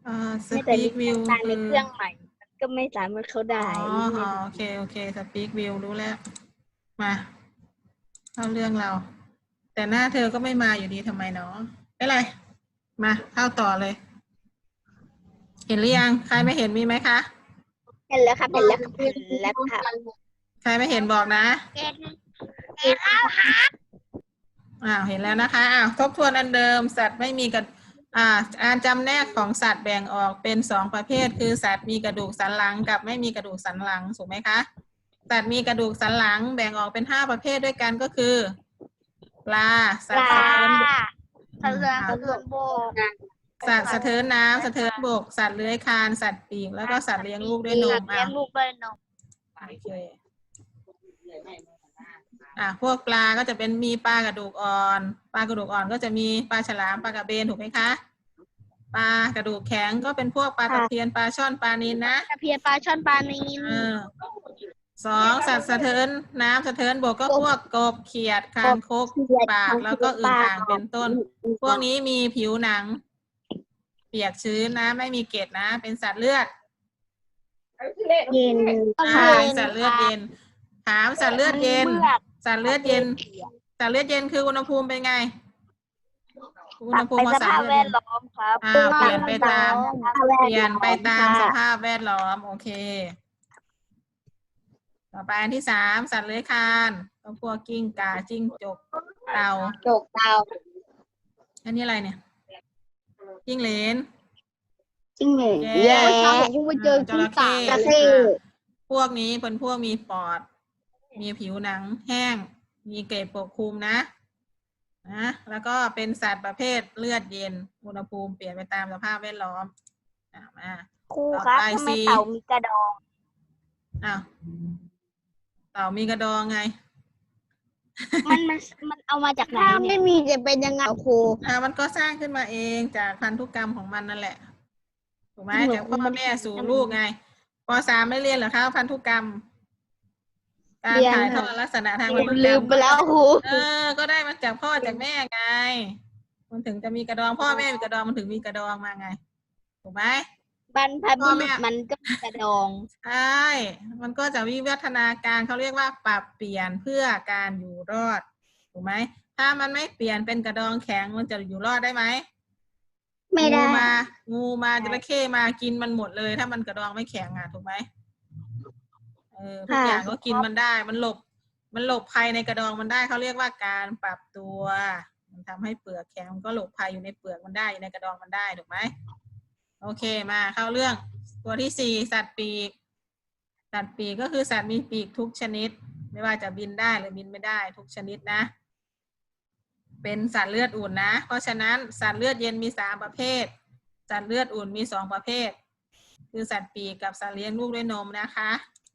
สไม่แต่ปีนี่กวิวทำงานในเครื่องใหม่มันก็ไม่สามารถเข้าได้โอเคสปีกวิวรู้แล้วมาเข้าเรื่องเรา แต่หน้าเธอก็ไม่มาอยู่ดีทำไมเนาะไม่ไรมาเข้าต่อเลย เห็นหรือยังใครไม่เห็นมีไหมคะเห็นแล้วครับเห็นแล้วครับเห็นแล้วครับใครไม่เห็นบอกนะเห็นแล้วครับเห็นแล้วนะคะทบทวนอันเดิมสัตว์ไม่มีกระการจำแนกของสัตว์แบ่งออกเป็น2ประเภทคือสัตว์มีกระดูกสันหลังกับไม่มีกระดูกสันหลังถูกไหมคะสัตว์มีกระดูกสันหลังแบ่งออกเป็น5ประเภทด้วยกันก็คือปลาสัตว์สะเทินบกสะเทือนบกสัตว์สะเทินน้ำสะเทินบกสัตว์เลื้อยคลานสัตว์ปีกแล้วก็สัตว์เลี้ยงลูกด้วยนมเลี้ยงลูกด้วยนมโอเคพวกปลาก็จะเป็นมีปลากระดูกอ่อนปลากระดูกอ่อนก็จะมีปลาฉลามปลากระเบนถูกไหมคะปลากระดูกแข็งก็เป็นพวกปลาตะเพียนปลาช่อนปลานิลนะตะเพียนปลาช่อนปลานิล 2สัตว์สะเทินน้ำสะเทินบกก็พวกกบเขียดคางคกปากแล้วก็อึ่งอ่างเป็นต้นพวกนี้มีผิวหนังเปียกชื้นนะไม่มีเกล็ดนะเป็นสัตว์เลือดเย็นสัตว์เลือดเย็นถามสัตว์เลือดเย็นสัตว์เลือดเย็นสัตว์เลือดเย็นคืออุณหภูมิเป็นไงอุณหภูมิสภาพแวดล้อมครับเปลี่ยนไปตามสภาพแวดล้อมโอเคต่อไปอันที่3สัตว์เลื้อยคลานก็พวกกิ้งก่าจิ้งจกเต่าอันนี้อะไรเนี่ยจิ้งเหลนจิ้งเหลนแย่ผมไปเจอจระเข้จระเข้พวกนี้เป็นพวกมีปอดมีผิวหนังแห้งมีเกล็ดปกคลุมนะแล้วก็เป็นสัตว์ประเภทเลือดเย็นอุณหภูมิเปลี่ยนไปตามสภาพแวดล้อมมาครูครับทำไมเต่ามีกระดองเต่ามีกระดองไงมันเอามาจากไหนถ้าไม่มีจะเป็นยังไงครูมันก็สร้างขึ้นมาเองจากพันธุกรรมของมันนั่นแหละถูกไหมจากพ่อแม่สู่ลูกไงป.3ไม่เรียนเหรอคะพันธุกรรมการถ่ายทอดลักษณะทางพันธุกรรมลืมไปแล้วครูก็ได้มาจากพ่อจากแม่ไงมันถึงจะมีกระดองพ่อแม่มีกระดองมันถึงมีกระดองมาไงถูกไหมบรรพบุรุษมันก็มีกระดองใช่มันก็จะวิวัฒนาการเขาเรียกว่าปรับเปลี่ยนเพื่อการอยู่รอดถูกไหมถ้ามันไม่เปลี่ยนเป็นกระดองแข็งมันจะอยู่รอดได้ไหมไม่ได้งูมาจระเข้มากินมันหมดเลยถ้ามันกระดองไม่แข็งถูกไหมทุกอย่างก็กินมันได้มันหลบภัยในกระดองมันได้เขาเรียกว่าการปรับตัวมันทำให้เปลือกแข็งมันก็หลบภัยอยู่ในเปลือกมันได้ในกระดองมันได้ถูกไหมโอเคมาเข้าเรื่องตัวที่4สัตว์ปีกสัตว์ปีกก็คือสัตว์มีปีกทุกชนิดไม่ว่าจะบินได้หรือบินไม่ได้ทุกชนิดนะเป็นสัตว์เลือดอุ่นนะเพราะฉะนั้นสัตว์เลือดเย็นมี3ประเภทสัตว์เลือดอุ่นมี2ประเภทคือสัตว์ปีกกับสัตว์เลี้ยงลูกด้วยนมนะคะ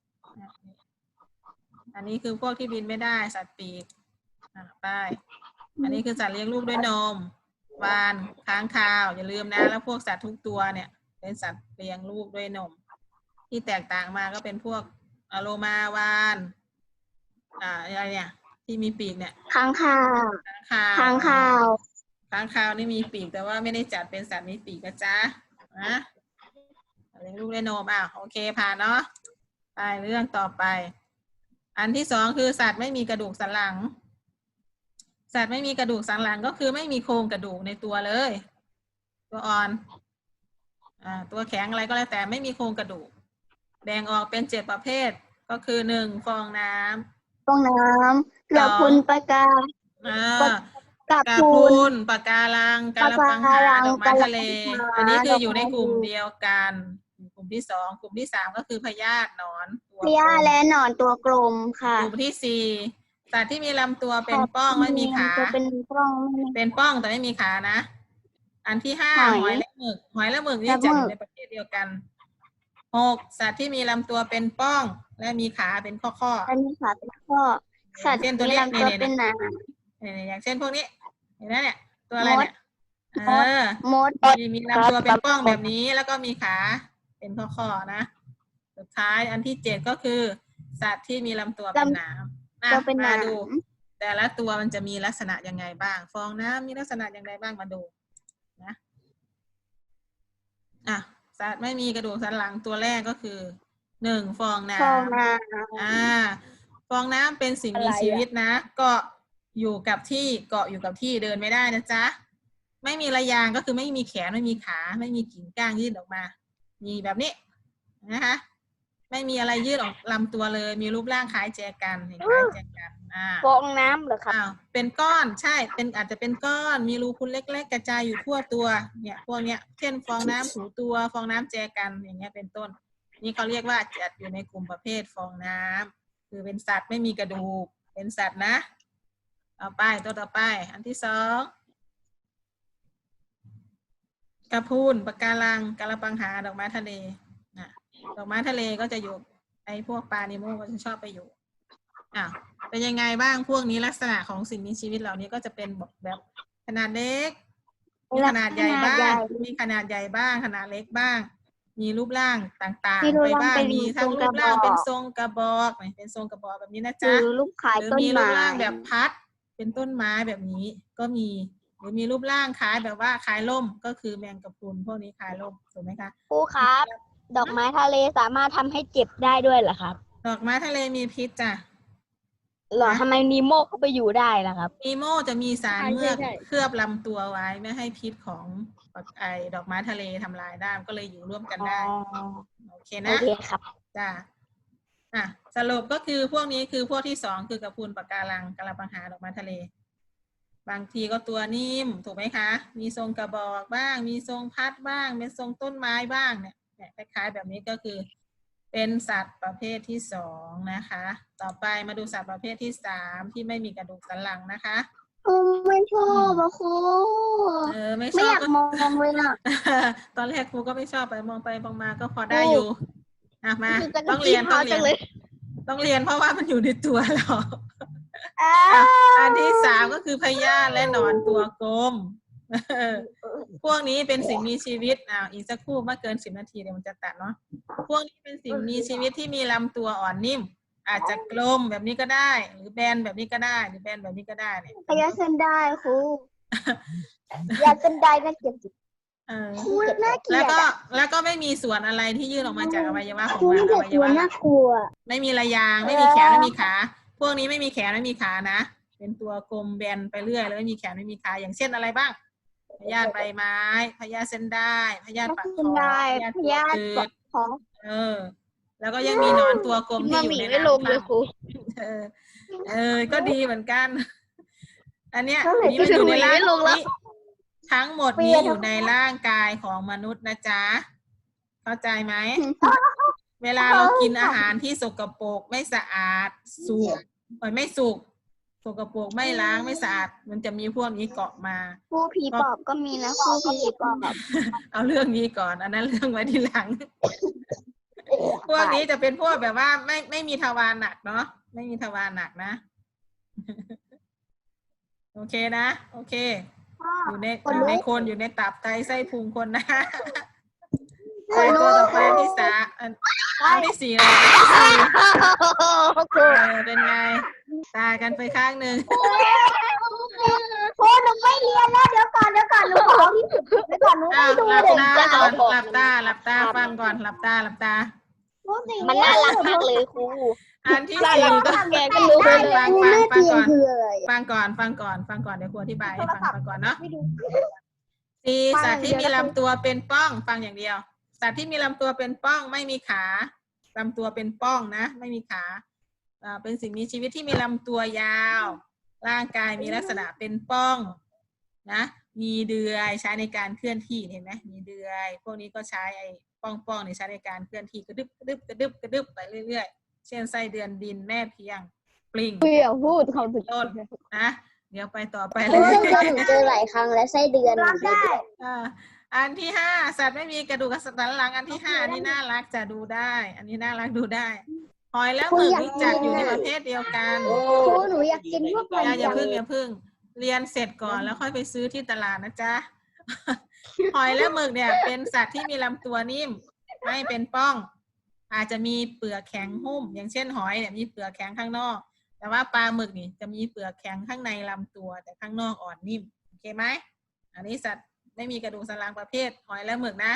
อันนี้คือพวกที่บินไม่ได้สัตว์ปีกไปอันนี้คือสัตว์เลี้ยงลูกด้วยนมวาฬค้างคาวอย่าลืมนะแล้วพวกสัตว์ทุกตัวเนี่ยเป็นสัตว์เลี้ยงลูกด้วยนมที่แตกต่างมาก็เป็นพวกโลมาวาฬอะไรเนี่ยที่มีปีกเนี่ยค้างคาวนี่มีปีกแต่ว่าไม่ได้จัดเป็นสัตว์มีปีกนะจ๊ะเลี้ยงลูกด้วยนมโอเคผ่านเนาะไปเรื่องต่อไปอันที่2คือสัตว์ไม่มีกระดูกสันหลังสัตว์ไม่มีกระดูกสันหลังก็คือไม่มีโครงกระดูกในตัวเลยตัวอ่อนตัวแข็งอะไรก็แล้วแต่ไม่มีโครงกระดูกแบ่งออกเป็น7ประเภทก็คือ1ฟองน้ำกระพุนปากากระพุนปะการังกาละปังหาดอกไม้ทะเลอันนี้คืออยู่ในกลุ่มเดียวกันกลุ่มที่2กลุ่มที่3ก็คือพยาธิหนอนพยาธิและหนอนตัวกลมค่ะกลุ่มที่4สัตว์ที่มีลำตัวเป็นป้องไม่มีขาเป็นป้องแต่ไม่มีขานะอันที่5หอยและหมึกนี่จัดอยู่ในประเภทเดียวกัน6สัตว์ที่มีลำตัวเป็นป้องและมีขาเป็นข้อสัตว์ที่มีลำตัวเป็นหนาอย่างเช่นพวกนี้เห็นไหมเนี่ยตัวอะไรเนี่ยมดมีลำตัวเป็นป้องแบบนี้แล้วก็มีขาเป็นข้อนะสุดท้ายอันที่7ก็คือสัตว์ที่มีลำตัวเป็นหนามมาดูแต่ละตัวมันจะมีลักษณะยังไงบ้างฟองน้ำมีลักษณะยังไงบ้างมาดูนะสัตว์ไม่มีกระดูกสันหลังตัวแรกก็คือหนึ่งฟองน้ฟองน้ำฟองน้ำเป็นสิ่งมีชีวิตนะเกาะอยู่กับที่เกาะอยู่กับที่เดินไม่ได้นะจ๊ะไม่มีระยางก็คือไม่มีแขนไม่มีขาไม่มีกิ่งก้างยื่นออกมามีแบบนี้นะคะไม่มีอะไรยื่นออกลำตัวเลยมีรูปร่างคล้ายแจกันคล้ายแจกันำฟองน้ำเหรอครับเป็นก้อนใช่เป็นอาจจะเป็นก้อนมีรูพุนเล็กๆกระจายอยู่ทั่วตัวเนี่ยพวกเนี้ยเช่นฟองน้ำถูตัวฟองน้ำแจกันอย่างเงี้ยเป็นต้นนี่เขาเรียกว่าจัดอยู่ในกลุ่มประเภทฟองน้ำคือเป็นสัตว์ไม่มีกระดูกเป็นสัตว์นะต่อไปตัวต่อไปอันที่สองกระพูนปะการังกระปังหาดอกไม้ทะเลนะดอกไม้ทะเลก็จะอยู่ไอ้พวกปลานิโมก็จะชอบไปอยู่เป็นยังไงบ้างพวกนี้ลักษณะของสิ่งมีชีวิตเหล่านี้ก็จะเป็นแบบขนาดเล็กมีขนาดใหญ่บ้างมีขนาดใหญ่บ้างขนาดเล็กบ้าง มีรูปร่างต่างๆไปบ้างมีทั้งรูปร่างเป็นทรงกระบอกเป็นทรงกระบอกแบบนี้นะจ๊ะหรือมีรูปร่างแบบพัดเป็นต้นไม้แบบนี้ก็มีหรือมีรูปร่างคล้ายแบบว่าคล้ายร่มก็คือแมงกะพรุนพวกนี้คล้ายร่มถูกไหมคะครูครับดอกไม้ทะเลสามารถทำให้เจ็บได้ด้วยเหรอครับดอกไม้ทะเลมีพิษจ้ะหรอทำไมนีโมเข้าไปอยู่ได้ล่ะครับนีโมจะมีสารเมือกเคลือบลำตัวไว้ไม่ให้พิษของไอ้ดอกไม้ทะเลทำลายได้ก็เลยอยู่ร่วมกันได้โอเคนะโอเคครับจ้ะสรุปก็คือพวกนี้คือพวกที่สองคือกระพูนปะการังกระปังหาดอกไม้ทะเลบางทีก็ตัวนิ่มถูกไหมคะมีทรงกระบอกบ้างมีทรงพัดบ้างเป็นทรงต้นไม้บ้างเนี่ยคล้ายๆแบบนี้ก็คือเป็นสัตว์ประเภทที่สองนะคะต่อไปมาดูสัตว์ประเภทที่สามที่ไม่มีกระดูกสันหลังนะคะไม่ชอบอะครูไม่ชอบอยากมองเลยนะตอนแรกครูก็ไม่ชอบไปมองไปมองมาก็พอได้อยู่มาต้องเรียนเพราะว่ามันอยู่ในตัวเราอันที่สามก็คือพยาธิและหนอนตัวกลมพวกนี้เป็นสิ่งมีชีวิตอีกสักครู่ไม่เกิน10 นาทีเดี๋ยวมันจะตัดเนาะพวกนี้เป็นสิ่งมีชีวิตที่มีลำตัวอ่อนนิ่มอาจจะกลมแบบนี้ก็ได้หรือแบนแบบนี้ก็ได้หรือแบนแบบนี้ก็ได้เนี่ยพยาเส้นได้ครูยาเส้นได้น่าเกลียดแล้วก็ไม่มีส่วนอะไรที่ยื่นออกมาจากอวัยวะของมันอวัยวะน่ากลัวไม่มีระยางไม่มีแขนไม่มีขาพวกนี้ไม่มีแขนไม่มีขานะเป็นตัวกลมแบนไปเรื่อยแล้วไม่มีแขนไม่มีขาอย่างเช่นอะไรบ้างพยาธิใบไม้พยาธิเส้นได้พยาธิปากคอพยาธิตัวตืดแล้วก็ยังมีหนอนตัวกลมที่อยู่ในน้ำก็ดีเหมือนกันอันเนี้ยนี่มันอยู่ในร่างนี้ทั้งหมดนี้อยู่ในร่างกายของมนุษย์นะจ๊ะเข้าใจไหมเวลาเรากินอาหารที่สกปรกไม่สะอาดไม่สุกสกปรกไม่ล้างไม่สะอาดมันจะมีพวกนี้เกาะมาผู้ผีปอบก็มีนะผู้ผีปอบเอาเรื่องนี้ก่อนอันนั้นเรื่องไว้ทีหลังพวกนี้จะเป็นพวกแบบว่าไม่มีทวารหนักเนาะไม่มีทวารหนักนะโอเคนะโอเคอยู่ในคนอยู่ในตับไตไส้พุงคนนะไปตัวต่อไปที่สามอันที่สี่เลยเป็นไงตายกันไปข้างหนึ่งโอ้หนูไม่เรียนแล้วเดี๋ยวก่อนหนูขอที่สุดเดี๋ยวก่อนหนูไม่ดูเลยหลับตาฟังก่อนหลับตามันน่ารักมากเลยครูอันที่สี่ก็แกก็รู้เลยฟังก่อนเดี๋ยวครูอธิบายให้ฟังก่อนเนาะสี่สัตว์ที่มีลำตัวเป็นป้องฟังอย่างเดียวสัตว์ที่มีลำตัวเป็นป้องไม่มีขาลำตัวเป็นป้องนะไม่มีขาเป็นสิ่งมีชีวิตที่มีลำตัวยาวร่างกายมีลักษณะเป็นป้องนะมีเดือยใช้ในการเคลื่อนที่เห็นไหมมีเดือยพวกนี้ก็ใช้ไอ้ป้องในใช้ในการเคลื่อนที่กระดึบไปเรื่อยๆเช่นไส้เดือนดินแม่เพียงปลิงพูดเขาถึงต้นนะเดี๋ยวไปต่อไปเลยเจอหลายครั้งแล้วไส้เดือนได้อันที่ห้าสัตว์ไม่มีกระดูกสันหลังอันที่ห้าอันนี้น่ารักจะดูได้อันนี้น่ารักดูได้หอยและหมึกนี่จัดอยู่ในประเภทเดียวกันหนูอยากกินพวกมันอย่าพึ่งเรียนเสร็จก่อนแล้วค่อยไปซื้อที่ตลาดนะจ๊ะหอยและหมึกเนี่ยเป็นสัตว์ที่มีลำตัวนิ่มไม่เป็นป้องอาจจะมีเปลือกแข็งหุ้มอย่างเช่นหอยเนี่ยมีเปลือกแข็งข้างนอกแต่ว่าปลาหมึกนี่จะมีเปลือกแข็งข้างในลำตัวแต่ข้างนอกอ่อนนิ่มโอเคไหมอันนี้สัตว์ไม่มีกระดูกสันหลังประเภทหอยและหมึกนะ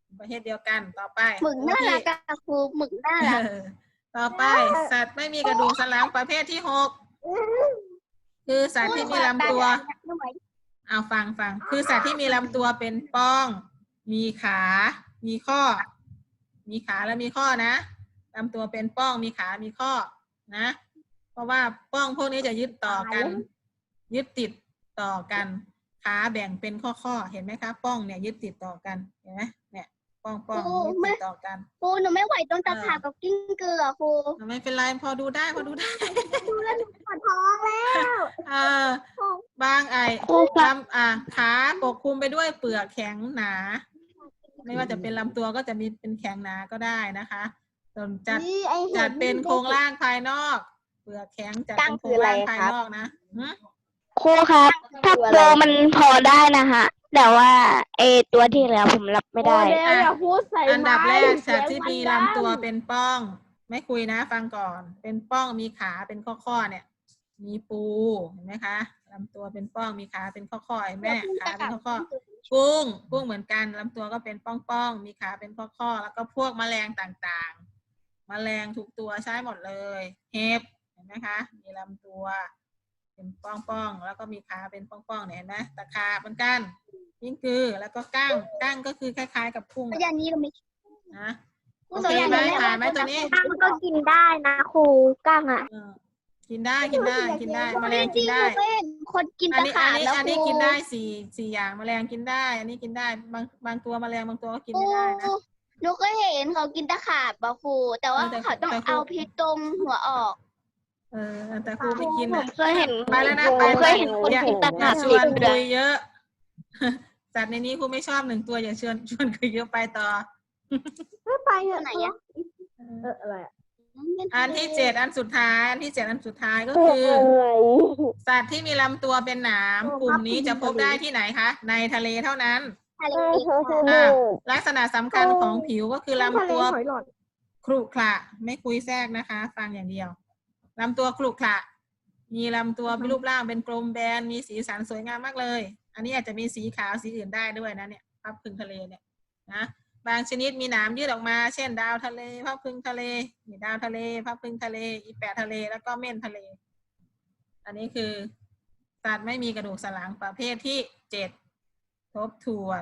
ประเภทเดียวกันต่อไปหมึกน่ารักอะครูหมึกน่ารักต่อไป สัตว์ไม่มีกระดูกสันหลังประเภทที่หกคือสัตว์ที่มีลำตัว เอาฟังคือสัตว์ที่มีลำตัวเป็นป้อง มีขา มีข้อ มีขาและมีข้อนะลำตัวเป็นป้อง มีขา มีข้อนะ เพราะว่าป้องพวกนี้จะยึดต่อกัน ยึดติดต่อกัน ขาแบ่งเป็นข้อเห็นไหมคะ ป้องเนี่ยยึดติดต่อกัน เห็นไหมเนี่ย ป้องยึดติดต่อกันครูหนูไม่ไหวตรงตะขาบกับกิ้งเกลือครูไม่เป็นไรพอดูได้ดูแล้วหนูปวดท้องแล้วบางขาปกคลุมไปด้วยเปลือกแข็งหนา ไม่ว่าจะเป็นลำตัวก็จะมีเป็นแข็งหนาก็ได้นะคะส่วนจัดเป็นโครงร่างภายนอก เปลือกแข็งจัดเป็นโครงร่างภายนอกนะครูครับถ้าโปรมันพอได้นะคะแต่ว่าตัวที่เหลือผมรับไม่ได้อันดับแรกสัตว์ที่มีลำตัวเป็นป้อง ไม่คุยนะฟังก่อน เป็นป้องมีขาเป็นข้อเนี่ย มีปูเห็นไหมคะลำตัวเป็นป้องมีขาเป็นข้อเห็นไหมขาเป็นข้อกุ้งเหมือนกันลำตัวก็เป็นป้องมีขาเป็นข้อแล้วก็พวกแมลงต่างๆแมลงทุกตัวใช้หมดเลยเห็บเห็นไหมคะมีลำตัวเป็นป้องแล้วก็มีขาเป็นป้องเนี่ยเห็นไหมตะขาบเหมือนกันยิ่งคือแล้วก็กั้งก็คือคล้ายๆกับกุ้งอย่างนี้ก็ไม่นะโอเคไหมผ่านไหมตัวนี้กั้งก็กินได้นะครูกั้งอ่ะกินได้แมลงกินได้คนกินอันตะนี้ขาบแล้วอันนี้กินได้สี่อย่างแมลงกินได้ อันนี้กินได้บางตัวแมลงบางตัวก็กินไม่ได้นะหนูก็เห็นเขากินตะขาบครูแต่ว่าเขาต้องเอาพิษตรงหัวออกแต่ครูไม่กินผมเคยเห็นไปแล้วนะผมเคยเห็นคนอย่ากินตะอย่าขาบชวนคุยเยอะสัตว์ในนี้ครูไม่ชอบหนึ่งตัวอย่าชวนคุยเยอะไปต่อไปเถอะไหนอะอะไรอ่ะอันที่เจ็ดอันสุดท้ายก็คือ สัตว์ที่มีลำตัวเป็นหนามกลุ่มนี้จะพบได้ที่ไหนคะในทะเลเท่านั้นทะเลลักษณะสำคัญของผิวก็คือลำตัวขรุขระไม่คุยแทรกนะคะ ฟังอย่างเดียวลำตัวขรุขระมีลำตัวมีรูปร่างเป็นกลมแบนมีสีสันสวยงามมากเลย อันนี้อาจจะมีสีขาวสีอื่นได้ด้วยนะเนี่ยพับพึงทะเลเนี่ยนะบางชนิดมีหนามยืดออกมาเช่นดาวทะเลพับพึงทะเลมีดาวทะเลพับพึงทะเลอีแปะทะเลแล้วก็เม่นทะเล อันนี้คือสัตว์ไม่มีกระดูกสันหลังประเภทที่เจ็ดทบทวน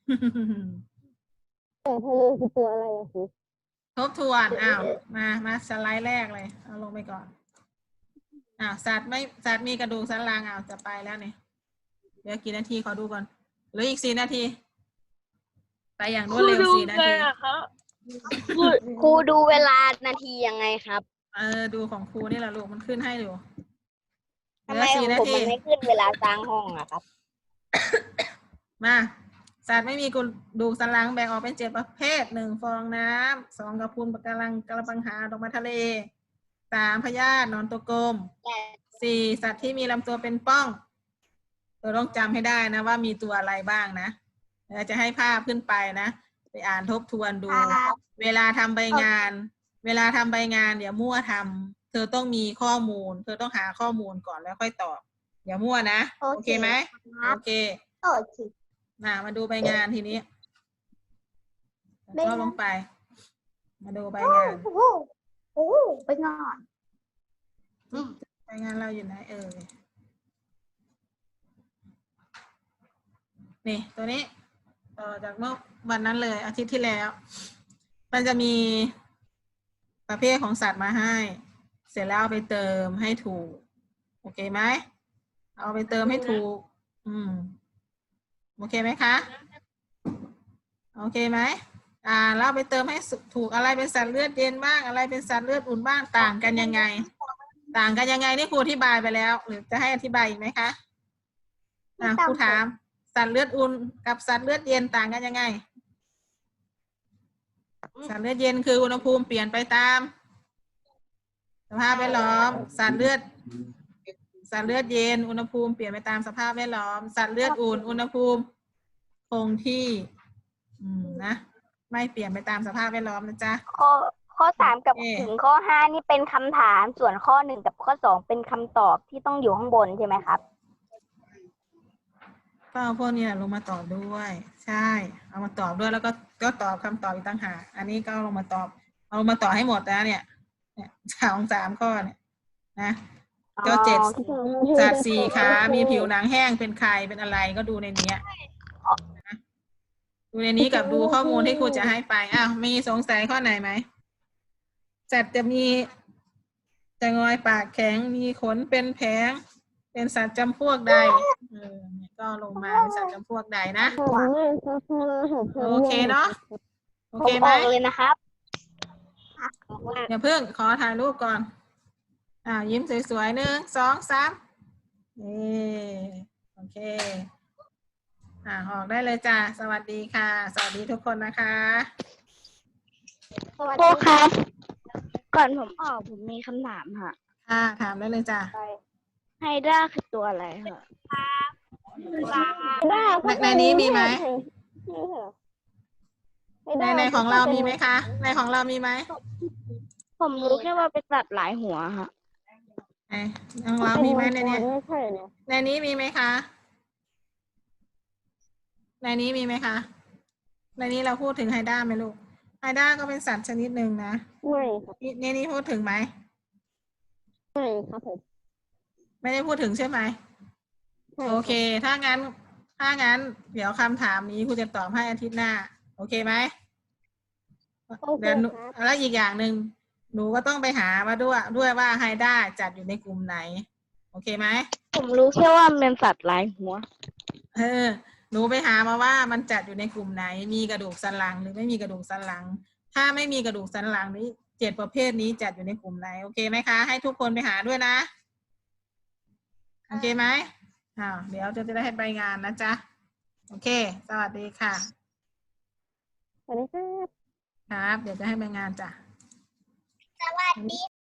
คือตัวอะไรอะครูทบทวนมาสไลด์แรกเลยเอาลงไปก่อนสัตว์มีกระดูกสันหลังจะไปแล้วเนี่ยเดี๋ยวกี่นาทีขอดูก่อนเหลืออีก4 นาทีไปอย่างรวดเร็ว4 นาทีครูดูเวลานาทียังไงครับดูของครูนี่แหละลูกมันขึ้นให้อยู่เหทำลืไมอของ 4 นาผมทีมันไม่ขึ้นเวลาสร้างห้องอะครับมาสัตว์ไม่มีกระดูกสันหลังแบ่งออกเป็น7 ประเภท1 ฟองน้ำ2 กระพุ้นปะการังกระปังหาดอกไม้ทะเล3 พยาธิหนอนตัวกลม4 สัตว์ที่มีลำตัวเป็นป้องเราต้องจำให้ได้นะว่ามีตัวอะไรบ้างนะเราจะให้ภาพขึ้นไปนะไปอ่านทบทวนดู เวลาทำใบงานอย่ามั่วทำเธอต้องมีข้อมูล เธอต้องหาข้อมูลก่อนแล้วค่อยตอบอย่ามั่วนะโอเคไหมโอเคมาดูใบงานทีนี้ก็ลงไปมาดูใบงานไปงอนใบงานเราอยู่ไหนนี่ตัวนี้ต่อจากเมื่อวันนั้นเลยอาทิตย์ที่แล้ว มันจะมีประเภทของสัตว์มาให้ เสร็จแล้วเอาไปเติมให้ถูกโอเคไหมเอาไปเติมให้ถูกโอเคไหมคะโอเคไหมแล้วไปเติมให้ถูกอะไรเป็นสัตว์เลือดเย็นบ้างอะไรเป็นสัตว์เลือดอุ่นบ้างต่างกันยังไงนี่ครูอธิบายไปแล้วหรือจะให้อธิบายอีกไหมคะครูถามสัตว์เลือดอุ่นกับสัตว์เลือดเย็นต่างกันยังไงสัตว์เลือดเย็นคืออุณหภูมิเปลี่ยนไปตามสภาพแวดล้อมสัตว์เลือดเย็นอุณหภูมิเปลี่ยนไปตามสภาพแวดล้อมสัตว์เลือดอุ่นอุณหภูมิคงที่นะไม่เปลี่ยนไปตามสภาพแวดล้อมนะจ๊ะข้อ3กับถึงข้อ5นี่เป็นคำถามส่วนข้อ1กับข้อ2เป็นคำตอบที่ต้องอยู่ข้างบนใช่ไหมครับผก็เอาพวกนี้แหละลงมาตอบด้วย ใช่ เอามาตอบด้วยแล้วก็ตอบคำตอบอีกต่างหากอันนี้ก็เอาลงมาตอบ เอาลงมาตอบให้หมดนะเนี่ย2-3 ข้อเนี่ยนะก็7 สัตว์ 4 ขา มีผิวหนังแห้งเป็นใครเป็นอะไรก็ดูในเนี้ยนะดูในนี้กับดูข้อมูลที่ครูจะให้ไปอ้าวมีสงสัยข้อไหนไหมสัตว์จะงอยปากแข็งมีขนเป็นแผงเป็นสัตว์จำพวกใดเนี่ยก็ลงมาเป็นสัตว์จำพวกใดนะโอเคเนาะโอผมเคอไหมอกเลยนะครับอย่าเพิ่งขอถ่ายรูปก่อนยิ้มสวยๆ1 2 3โอเคออกได้เลยจ้าสวัสดีค่ะ สวัสดีทุกคนนะคะครูครับ ก่อนผมออกผมมีคำถามค่ะถามได้เลยจ้าไฮด้าคือตัวอะไรคะในนี้มีไหมในของเรามีไหมคะในของเรามีไหมผมรู้แค่ว่าเป็นสัตว์หลายหัวค่ะของเรามีไหมในนี้ในนี้มีไหมคะในนี้มีไหมคะในนี้เราพูดถึงไฮด้าไหมลูกไฮด้าก็เป็นสัตว์ชนิดหนึ่งนะไม่ครับในนี้พูดถึงไหมไม่ครับผมไม่ได้พูดถึงใช่ไหมโอเคถ้างั้นเดี๋ยวคำถามนี้ครูจะตอบให้อาทิตย์หน้าโอเคไหมเดี๋ยวแล้วอีกอย่างหนึ่งหนูก็ต้องไปหามาด้วยว่าไฮด้าจัดอยู่ในกลุ่มไหนโอเคไหมผมรู้แค่ว่ามันเป็นสัตว์หลายหัวหนูไปหามาว่ามันจัดอยู่ในกลุ่มไหนมีกระดูกสันหลังหรือไม่มีกระดูกสันหลังถ้าไม่มีกระดูกสันหลังนี้7 ประเภทนี้จัดอยู่ในกลุ่มไหนโอเคไหมคะให้ทุกคนไปหาด้วยนะโอเคไหมเดี๋ยวจะได้ให้ใบงานนะจ๊ะโอเคสวัสดีค่ะสวัสดีครับครับเดี๋ยวจะให้ใบงานจ้ะสวัสดี